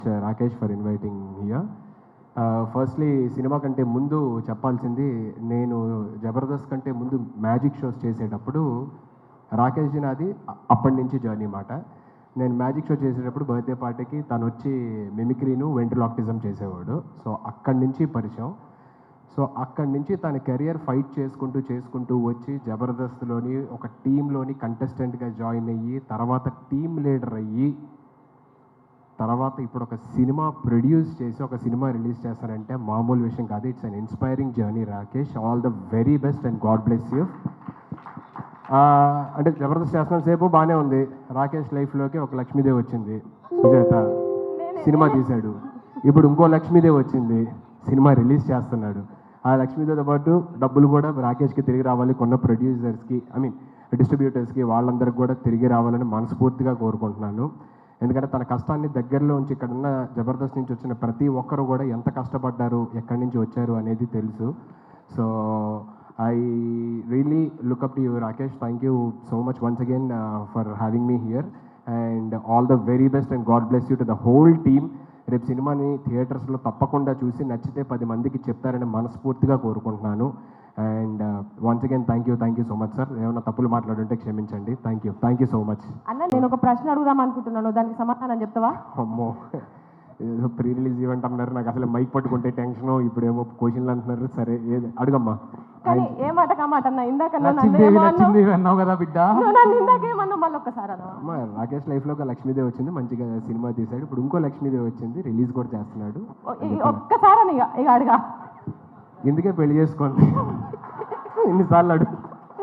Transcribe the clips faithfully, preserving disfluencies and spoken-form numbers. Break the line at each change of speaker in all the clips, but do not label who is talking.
Rakesh for inviting here. Firstly సినిమా కంటే ముందు చెప్పాల్సింది, నేను జబర్దస్త్ కంటే ముందు మ్యాజిక్ షోస్ చేసేటప్పుడు రాకేష్ జీ నాది అప్పటి నుంచి జర్నీ మాట. నేను మ్యాజిక్ షో చేసేటప్పుడు బర్త్డే పార్టీకి తను వచ్చి మిమిక్రీను వెంట్రిలాక్టిజం చేసేవాడు. సో అక్కడి నుంచి పరిచయం. సో అక్కడి నుంచి తన కెరియర్ ఫైట్ చేసుకుంటూ చేసుకుంటూ వచ్చి జబర్దస్త్లోని ఒక టీంలోని కంటెస్టెంట్గా జాయిన్ అయ్యి, తర్వాత టీమ్ లీడర్ అయ్యి, తర్వాత ఇప్పుడు ఒక సినిమా ప్రొడ్యూస్ చేసి ఒక సినిమా రిలీజ్ చేస్తానంటే మామూలు విషయం కాదు. It's an inspiring journey Rakesh. All the very best and God bless you. అంటే జబర్దస్త్ చేస్తున్న సేపు బాగానే ఉంది. రాకేష్ లైఫ్లోకి ఒక లక్ష్మీదేవి వచ్చింది, సుజాత సినిమా తీశాడు. ఇప్పుడు ఇంకో లక్ష్మీదేవి వచ్చింది, సినిమా రిలీజ్ చేస్తున్నాడు. ఆ లక్ష్మీదేవితో పాటు డబ్బులు కూడా రాకేష్కి తిరిగి రావాలి, కొన్న ప్రొడ్యూసర్స్కి ఐ మీన్ డిస్ట్రిబ్యూటర్స్కి వాళ్ళందరికీ కూడా తిరిగి రావాలని మనస్ఫూర్తిగా కోరుకుంటున్నాను. ఎందుకంటే తన కష్టాన్ని దగ్గరలో ఉంచి ఇక్కడ ఉన్న జబర్దస్త్ నుంచి వచ్చిన ప్రతి ఒక్కరు కూడా ఎంత కష్టపడ్డారు, ఎక్కడి నుంచి వచ్చారు అనేది తెలుసు. So I really look up to you Rakesh. Thank you so much once again for having me here and all the very best and God bless you to the whole team. రేపు సినిమాని థియేటర్స్లో తప్పకుండా చూసి నచ్చితే పది మందికి చెప్తారని మనస్ఫూర్తిగా కోరుకుంటున్నాను. And once again thank you thank you so much sir. ఏమైనా తప్పులు మాట్లాడుంటే క్షమించండి. Thank you thank you so much.
అన్న నేను ఒక ప్రశ్న అడుగుదాం అనుకుంటున్నాను, దానికి సమాధానం చెప్తావా?
అమ్మో, ఏదో ప్రీ రిలీజ్ ఈవెంట్ అన్నారు, నాకు అసలు మైక్ పట్టుకుంటే టెన్షన్, ఇప్పుడేమో క్వశ్చన్లు అంటున్నారు. సరే ఏది అడుగమ్మా.
కానీ ఏ మాట కామాట అన్న, ఇందాక నన్ను
అన్నావు కదా బిడ్డ,
ఇందాకేమన్నా మళ్ళీ ఒక్కసారి అన్న.
రాకేష్ లైఫ్లో ఒక లక్ష్మీదేవి వచ్చింది, మంచిగా సినిమా తీశాడు. ఇప్పుడు ఇంకో లక్ష్మీదేవి వచ్చింది, రిలీజ్ కూడా చేస్తున్నాడు.
ఒక్కసారి అని ఇక అడగా,
ఎందుకే పెళ్లి చేసుకోండి ఇన్నిసార్లు అడుగు.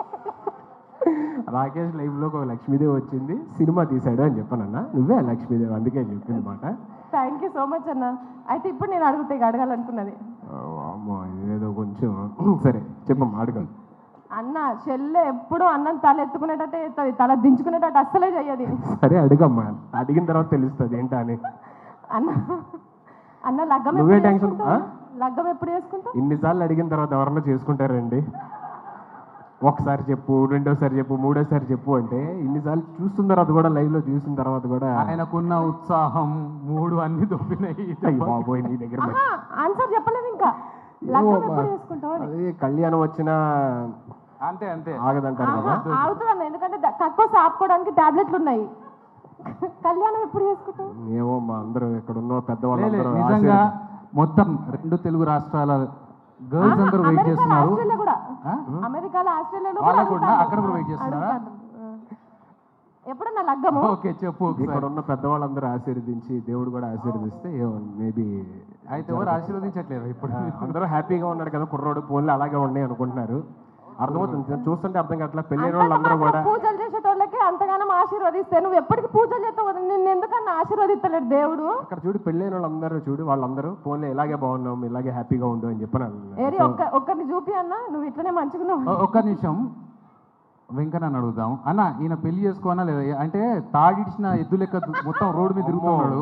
రాకేష్ లైఫ్లో ఒక లక్ష్మీదేవి వచ్చింది, సినిమా తీశాడు అని చెప్పానన్నా. నువ్వే లక్ష్మీదేవి, అందుకే చెప్పింది మాట.
థ్యాంక్ యూ సో మచ్ అన్న. అయితే ఇప్పుడు నేను అడుగుతా, ఇక అడగాలనుకున్నది.
అమ్మో ఏదో కొంచెం సరే చెప్పమ్మా అడగ.
అన్న చెల్లె ఎప్పుడు అన్నం తల ఎత్తుకునేటట్టే ఎత్తది, తల దించుకునేటట్టు అస్సలే చెయ్యది.
సరే అడుగమ్మా, అడిగిన తర్వాత తెలుస్తుంది ఏంటా అని.
అన్న అన్న లగ్గం
నువ్వే టెన్షన్.
లగ్గం ఎప్పుడు చేసుకుంటావు?
ఇన్నిసార్లు అడిగిన తర్వాత ఎవరన్నా చేసుకుంటారండి? ఒకసారి చెప్పు, రెండోసారి చెప్పు, మూడోసారి చెప్పు అంటే ఇన్నిసార్లు చూస్తున్న తర్వాత కూడా, లైవ్ లో చూసిన తర్వాత కూడా
ఆయనకున్న ఉత్సాహం మూడు అన్ని దొబ్బినాయి.
బాబోయ్ నీ దగ్గర
ఆన్సర్ చెప్పలేదు ఇంకా. లగ్గం ఎప్పుడు చేసుకుంటావు?
అదే కళ్యాణం వచ్చినా
అంతే అంతే
ఆగదంటారు కదా.
ఆగుతుంది అన్న, ఎందుకంటే తక్కువ ఆపుకోవడానికి టాబ్లెట్లు ఉన్నాయి. కళ్యాణం ఎప్పుడు చేసుకుంటావు?
ఏమో మా అందరూ ఇక్కడ ఉన్న పెద్దవాళ్ళు
నిజంగా మొత్తం రెండు తెలుగు రాష్ట్రాల గర్ల్స్ అందరూ వెయిట్ చేస్తున్నారు.
అమెరికాలో, ఆస్ట్రేలియాలో
అక్కడ కూడా వెయిట్ చేస్తున్నారు.
ఎప్పుడన్నా లగ్గము?
ఓకే చెప్పు.
ఇక్కడ ఉన్న పెద్దవాళ్ళందరూ ఆశీర్వదించి, దేవుడు కూడా ఆశీర్వదిస్తే మేబీ.
అయితే ఎవరు ఆశీర్వదించట్లేదు ఇప్పుడు,
అందరూ హ్యాపీగా ఉన్నాడు కదా కుర్రోడు, ఫోన్లు అలాగే ఉన్నాయి అనుకుంటున్నారు. అర్థమవుతుంది, చూస్తుంటే అర్థం కావట్లా. పెళ్ళైన వాళ్ళందరూ కూడా
పూజలు చేసేటోళ్ళకి అంతగానం ఆశీర్వదిస్తే నువ్వు ఎప్పటికీ పూజలు చేస్తావు, నిన్ను ఎందుకన్నా ఆశీర్వదిస్తలేడు దేవుడు?
అక్కడ చూడు, పెళ్ళైన వాళ్ళందరూ చూడు, వాళ్ళందరూ ఫోన్లో ఇలాగే బాగున్నాం, ఇలాగే హ్యాపీగా ఉండు అని చెప్పాను.
ఏరి ఒక్క ఒక్కరిని చూపి అన్న, నువ్వు ఇట్లనే మంచిగున్నావు.
ఒక్క నిమిషం వెంకన్న అడుగుదాం. అన్న ఈయన పెళ్లి చేసుకోనా లేదా? అంటే తాడిడిచిన ఎద్దు లెక్క మొత్తం రోడ్డు మీద తిరుగుతున్నాడు.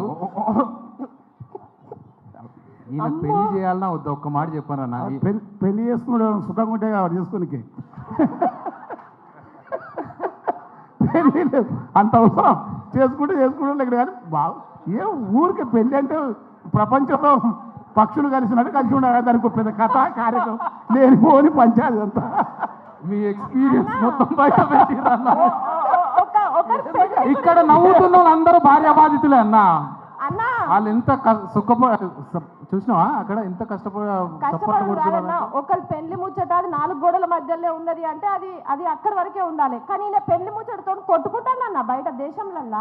ఈయన పెళ్లి చేయాలన్నా వద్దా? ఒక్క మాట చెప్పాను అన్న.
పెళ్లి చేసుకున్నాడు సుఖంగా ఉంటే చేసుకోనికి అంత అవసరం. చేసుకుంటే చేసుకుంటే ఇక్కడ కానీ బాగా ఏ ఊరికి పెళ్ళి అంటే ప్రపంచంలో పక్షులు కలిసినట్టు కలిసి ఉండాలి. దానికి పెద్ద కథ కార్యక్రమం లేని పోని పంచాయతీ అంతా.
మీ ఎక్స్పీరియన్స్ మొత్తం బయట పెట్టిరన్న. ఇక్కడ నవ్వుతున్న వాళ్ళందరూ భార్య బాధితులే అన్న. వాళ్ళు ఎంత సుఖప చూసినావా అక్కడ ఎంత కష్టపడుతున్నారు.
ఒకరి పెళ్లి ముచ్చట అది నాలుగు గోడల మధ్యలో ఉన్నది అంటే అది అది అక్కడి వరకే ఉండాలి. కానీ నేను పెళ్లి ముచ్చటతో కొట్టుకుంటానన్న బయట దేశంలల్లా.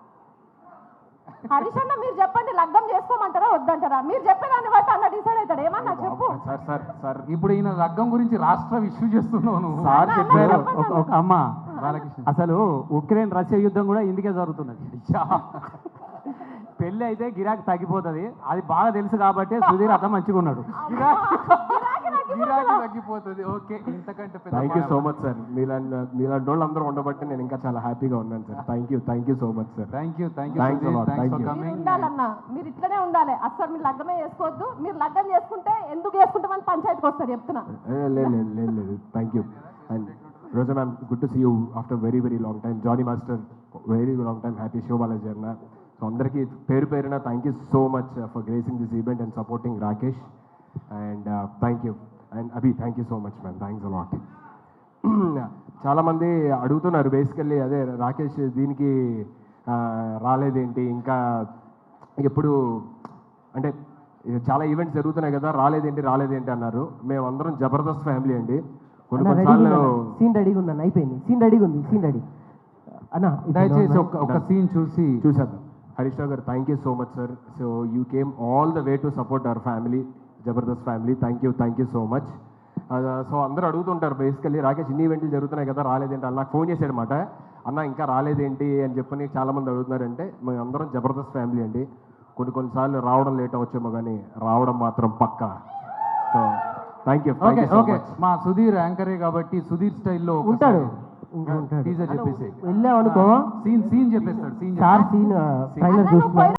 హరీష్ అన్న మీరు చెప్పండి, లగ్గం చేసుకోమంటారా వద్దంటారా? మీరు చెప్పేదాన్ని బట్టి అన్న డిసైడ్ అవుతాడు. ఏమన్నా చెప్పు.
సార్ సార్ సార్
ఇప్పుడు ఈయన లగ్గం గురించి రాష్ట్ర ఇష్యూ చేస్తున్నాను.
సార్ చెప్పారు
ఒక అమ్మ, అసలు ఉక్రెయిన్ రష్యా యుద్ధం కూడా ఇందుకే జరుగుతున్నది. పెళ్ళి అయితే గిరాకీ తగ్గిపోతుంది, అది బాగా తెలుసు కాబట్టి సుధీర్ అట్లా మంచిగా ఉన్నాడు.
గిరాకీ తగ్గిపోతుంది. ఓకే, ఇంతకంటే
thank you so much sir. మీలాంటి మీలాంటి వాళ్ళు అందరూ ఉండబట్టి నేను ఇంకా చాలా హ్యాపీగా ఉన్నాను సార్. Thank you thank you so much sir.
Thank you thank
you
ఉండాలన్నా, మీరు ఇట్లనే ఉండాలి. అసలు మీరు లగ్గమే చేసుకోవద్దు. మీరు లగ్గం చేసుకుంటే ఎందుకు చేసుకుంటామని పంచాయతీకి వస్తారు చెప్తున్నా.
లేదు లేదు లేదు లేదు thank you. And Roja ma'am, good to see you after very very long time. Johnny master, very long time happy. Shiva Balaji అన్న, సో అందరికీ పేరు పేరున thank you so much for gracing this event and supporting Rakesh and thank you and Abhi thank you so much ma'am thanks a lot. చాలామంది అడుగుతున్నారు basically అదే రాకేష్ దీనికి ఆ, రాలేదేంటి ఇంకా ఎప్పుడు అంటే చాలా ఈవెంట్స్ జరుగుతున్నాయి కదా రాలేదేంటి రాలేదేంటి అన్నారు. మేమందరం జబర్దస్త్ ఫ్యామిలీ అండి. కొన్ని కొన్నిసార్లు
సీన్ రెడీగా ఉందన్న అయిపోయింది సీన్ రెడీగా ఉంది సీన్ రెడీ అన్న
దయచేసి ఒక ఒక సీన్ చూసి
చూసాను. హరీష్ రావు గారు thank you so much sir. So you came all the way to support our family Jabardasth family. Thank you thank you so much. So అందరూ అడుగుతుంటారు బేసికల్లీ రాకేష్ ఇన్ని ఈవెంట్లు జరుగుతున్నాయి కదా రాలేదేంటి అని నాకు ఫోన్ చేశాడు అనమాట. అన్న ఇంకా రాలేదేంటి అని చెప్పని చాలామంది అడుగుతున్నారంటే మేము అందరం జబర్దస్త్ ఫ్యామిలీ అండి. కొన్ని కొన్నిసార్లు రావడం లేట్ అవ్వచ్చేమో కానీ రావడం మాత్రం పక్కా. So thank you
okay okay మా సుధీర్ యాంకరే కాబట్టి సుధీర్ స్టైల్లో
ఉంటాడు
టీజర్ చెప్పేసి
వెళ్ళాం అనుకో
సీన్ సీన్ చెప్పేస్తాడు సీన్
సార్ సీన్ ట్రైలర్ చూస్తున్నా